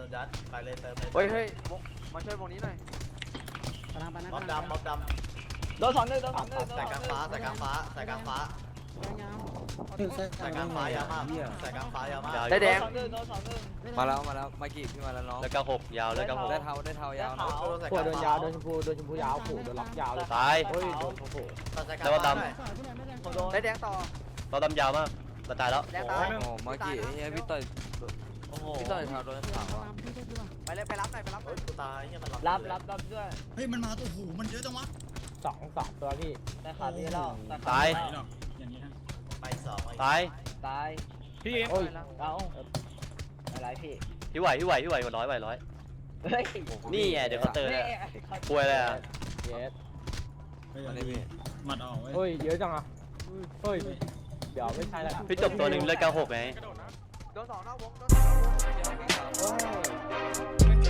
นยัดไปเลยเติมเลยเฮ้ยมาช่วยวงนี้หน่อยม็อบดำม็อบดำโดน2-1โดน2-1 ใส่กลางฟ้าใส่กลางฟ้าใส่กลางฟ้าใส่กลางฟ้ายาวมากใส่กลางฟ้ายาวมากได้แดงโดน2-1 มาแล้วมากี่พี่มาแล้วน้องแล้วก็หกยาวแล้วก็หกได้เท้ายาวนะขวดโดนยาวโดนชมพูยาวขู่โดนล็อกยาวเลยตายเฮ้ยโดนโอ้โหแล้วก็ดผมโดนได้แดงต่อเราดำยาวมากเราตายแล้วแดงตายโอ้มากี่เฮ้ยพี่ต่อยโอ้โหพี่ต่อยเท้าโดนขาวอ่ะไปเลยไปรับหน่อยไปรับหน่อยกูตายเนี่ยมันรับด้วยเฮ้ยมันมาตัวหูมันเยอะจังวะ 2ตัวพี่แต่ขาดพี่แล้วตายไหวหรอกอย่างนี้ฮะไปสองตายตายพี่โอ้ยเอาอะไรพี่พี่ไหวหัวร้อยไหวร้อยเฮ้ยนี่ไงเดี๋ยวเขาเตอร์เนี่ยป่วยเลยอ่ะเยสเฮ้ยมาเลยพี่มัดออกเว้ยเฮ้ยเยอะจังอ่ะเฮ้ยเดี๋ยวไม่ใช่แล้วพี่จบตัวหนึ่งเลือดเก้าหกไงโดน2นอกวงโดน2นอกวง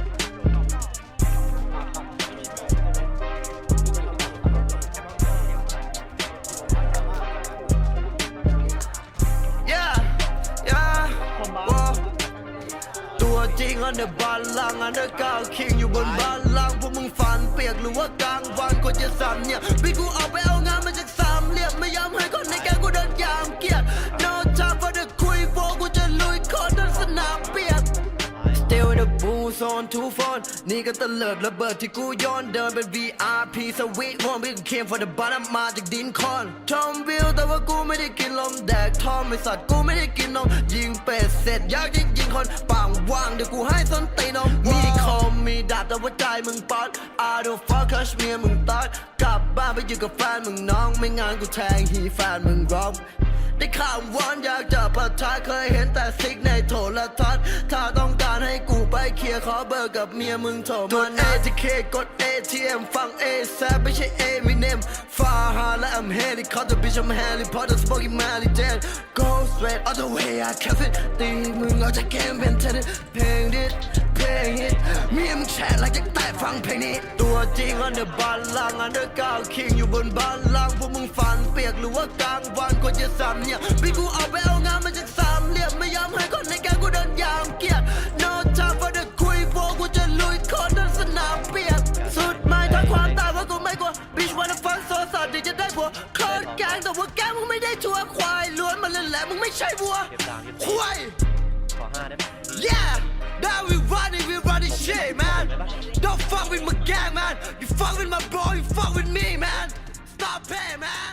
ตัวจริงอันเดอร์บาลังอันเดอร์ก้าวคิงอยู่บนบาลังพวกมึงฝันเปียกหรือว่ากลางวันก็จะสั่นเนี่ยพี่กูออกไปเอางานมาจากสามเหลี่ยมไม่ยอมให้คนในแกงกูเดินยามเกียรติ No time for the คุยโฟกูจะลุยคอนทั้งสนามเปียก Still in the booth on two phone นี่ก็ตะเลิดระเบิดที่กูย้อนเดินเป็น VIP สวีทวอนพี่ก็เคม for the bottom มาจากดินคอนทอมวิลแต่ว่ากูไม่ได้กินลมแดกทอมไม่สัตว์กูไม่ได้กินนมยิงเป็ดเสร็จอยากยิงคนปางว่างเดี๋ยวกูให้ส้นตีนมมีคอมมีดาบแต่ว่าใจมึงป๊อด I don't fuck คัชเมียมึงตัดกลับบ้านไปอยู่กับแฟนมึงน้องไม่งานกูแทงฮีแฟนมึงร้องได้ข่าววอนอยากจะปะทะเคยเห็นแต่ซิกในโทรทัศน์ถ้าต้องการให้กูไปเคลียร์ขอเบอร์กับเมียมึงโทรมา ATK กด ATM ฟัง ASAP ไม่ใช่ Eminem ฟาฮาและ I'm helicopter bitch I'm Harry Potter smoking Mary Jane Go straight all the way I kept it ตีมึงเอาจากเกมเป็นเทนนิสเพลงดิสเพลงฮิตเมียมึงแชร์หลังจากใต้ฟังเพลงนี้ตัวจริงอันเดอร์บาลังอันเดอร์ก้าวคิงอยู่บนบาลังพวกมึงฝันเปียกหรือว่ากลางวันก็จะสั่นเนี่ยพี่กูออกไปเอางานมาจากสามเหลี่ยมไม่ยอมให้คนในแกงกูเดินยามเกียรติ No time for the คุยโฟกูจะลุยคอนทั้งสนามเปียกสุดไม่ทั้งความตายว่ากูไม่กลัว Bitch wanna fuck โซสัตว์ที่จะได้ผัวโคตรแกงแต่ว่าแกงมึงไม่ได้ชัวร์ควายล้วนมาเล่นแหละมึงไม่ใช่วัวเก็บดาวเก็บควายขอ5ได้ไหม Yeah now we running shit man Don't fuck with my gang man You fuck with my bro you fuck with me man Stop paying man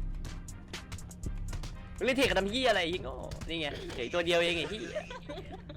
มึงเล่นเทคกับทำยี่อะไรอีกโง่นี่ไงเฉยตัวเดียวเองไอ้ที่